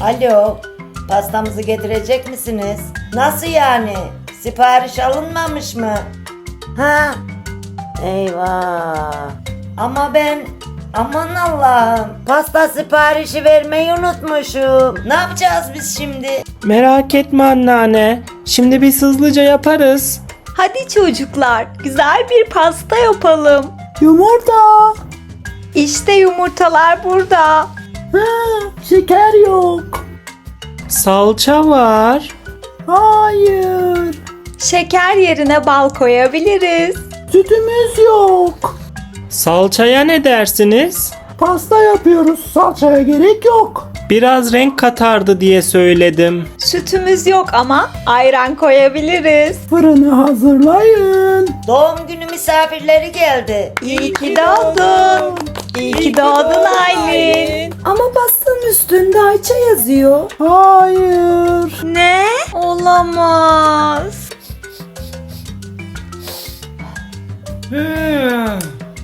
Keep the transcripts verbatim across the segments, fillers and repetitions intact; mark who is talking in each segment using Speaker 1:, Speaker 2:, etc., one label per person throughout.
Speaker 1: Alo, pastamızı getirecek misiniz? Nasıl yani? Sipariş alınmamış mı? Ha? Eyvah. Ama ben, aman Allah'ım, pasta siparişi vermeyi unutmuşum. Ne yapacağız biz şimdi?
Speaker 2: Merak etme anneanne. Şimdi biz hızlıca yaparız.
Speaker 3: Hadi çocuklar, güzel bir pasta yapalım.
Speaker 4: Yumurta.
Speaker 3: İşte yumurtalar burada.
Speaker 4: Ha, şeker yok.
Speaker 2: Salça var.
Speaker 4: Hayır.
Speaker 3: Şeker yerine bal koyabiliriz.
Speaker 4: Sütümüz yok.
Speaker 2: Salçaya ne dersiniz?
Speaker 4: Pasta yapıyoruz. Salçaya gerek yok.
Speaker 2: Biraz renk katardı diye söyledim.
Speaker 3: Sütümüz yok ama ayran koyabiliriz.
Speaker 4: Fırını hazırlayın.
Speaker 1: Doğum günü misafirleri geldi.
Speaker 3: İyi ki doğdun. İyi ki doğdun Aylin.
Speaker 5: Ama pastanın üstünde Ayça yazıyor.
Speaker 4: Hayır.
Speaker 3: Ne? Olamaz.
Speaker 1: Hmm.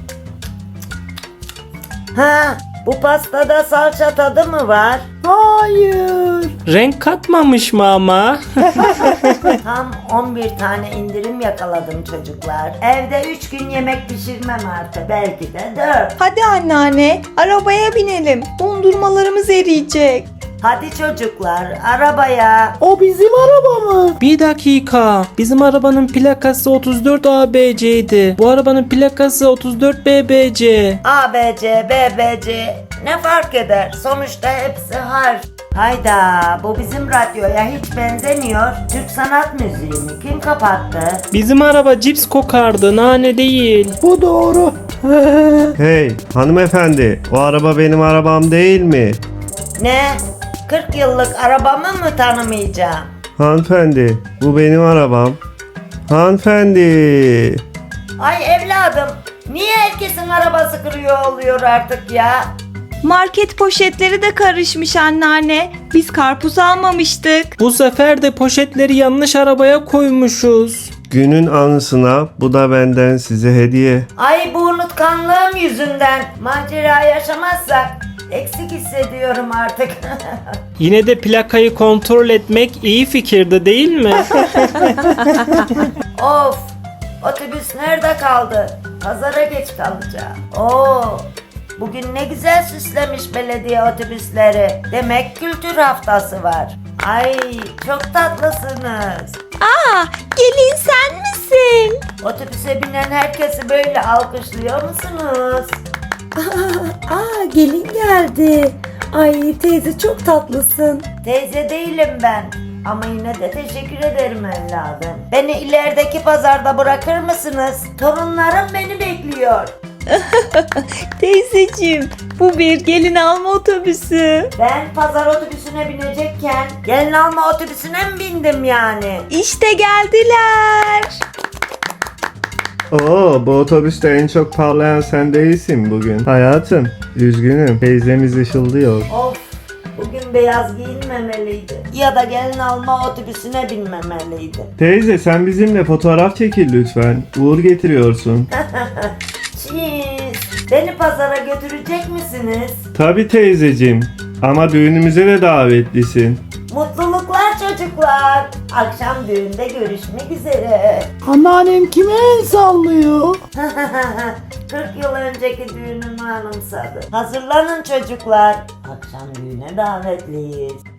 Speaker 1: Ha, bu pastada salça tadı mı var?
Speaker 4: Hayır.
Speaker 2: Renk katmamış mı ama?
Speaker 1: Tam on bir tane indirim yakaladım çocuklar. Evde üç gün yemek pişirmem artık. Belki de dört.
Speaker 3: Hadi anneanne, arabaya binelim. Dondurmalarımız eriyecek.
Speaker 1: Hadi çocuklar, arabaya.
Speaker 4: O bizim araba mı?
Speaker 2: Bir dakika. Bizim arabanın plakası otuz dört A B C'ydi. Bu arabanın plakası otuz dört B B C.
Speaker 1: A, B, C, B, B, C. Ne fark eder? Sonuçta hepsi harf. Hayda, bu bizim radyoya hiç benzemiyor. Türk sanat müziği mi? Kim kapattı?
Speaker 2: Bizim araba cips kokardı, nane değil.
Speaker 4: Bu doğru.
Speaker 6: Hey hanımefendi, o araba benim arabam değil mi?
Speaker 1: Ne? kırk yıllık arabamı mı tanımayacağım?
Speaker 6: Hanımefendi, bu benim arabam. Hanımefendi.
Speaker 1: Ay evladım, niye herkesin arabası kırıyor oluyor artık ya?
Speaker 3: Market poşetleri de karışmış anneanne. Biz karpuz almamıştık.
Speaker 2: Bu sefer de poşetleri yanlış arabaya koymuşuz.
Speaker 6: Günün anısına bu da benden size hediye.
Speaker 1: Ay bu unutkanlığım yüzünden macera yaşamazsak eksik hissediyorum artık.
Speaker 2: Yine de plakayı kontrol etmek iyi fikirdi değil mi?
Speaker 1: Of, otobüs nerede kaldı? Pazara geç kalacağım. Oo, bugün ne güzel süslemiş belediye otobüsleri. Demek kültür haftası var. Ay çok tatlısınız.
Speaker 3: Aa, gelin sen misin?
Speaker 1: Otobüse binen herkesi böyle alkışlıyor musunuz?
Speaker 5: Aa, gelin geldi. Ay teyze çok tatlısın.
Speaker 1: Teyze değilim ben. Ama yine de teşekkür ederim evladım. Beni ilerideki pazarda bırakır mısınız? Torunlarım beni bekliyor.
Speaker 3: Teyzeciğim, bu bir gelin alma otobüsü.
Speaker 1: Ben pazar otobüsüne binecekken gelin alma otobüsüne mi bindim yani?
Speaker 3: İşte geldiler.
Speaker 6: Oo, bu otobüste en çok parlayan sen değilsin bugün. Hayatım, üzgünüm. Teyzemiz ışıldıyor.
Speaker 1: Of, bugün beyaz giyinmemeliydi. Ya da gelin alma otobüsüne binmemeliydi.
Speaker 6: Teyze sen bizimle fotoğraf çekil lütfen. Uğur getiriyorsun.
Speaker 1: Cheese. Beni pazara götürecek misiniz?
Speaker 6: Tabii teyzeciğim. Ama düğünümüze de davetlisin.
Speaker 1: Mutluluklar çocuklar. Akşam düğünde görüşmek üzere.
Speaker 4: Anneannem kime el sallıyor?
Speaker 1: kırk yıl önceki düğünümü anımsadı. Hazırlanın çocuklar. Akşam düğüne davetliyiz.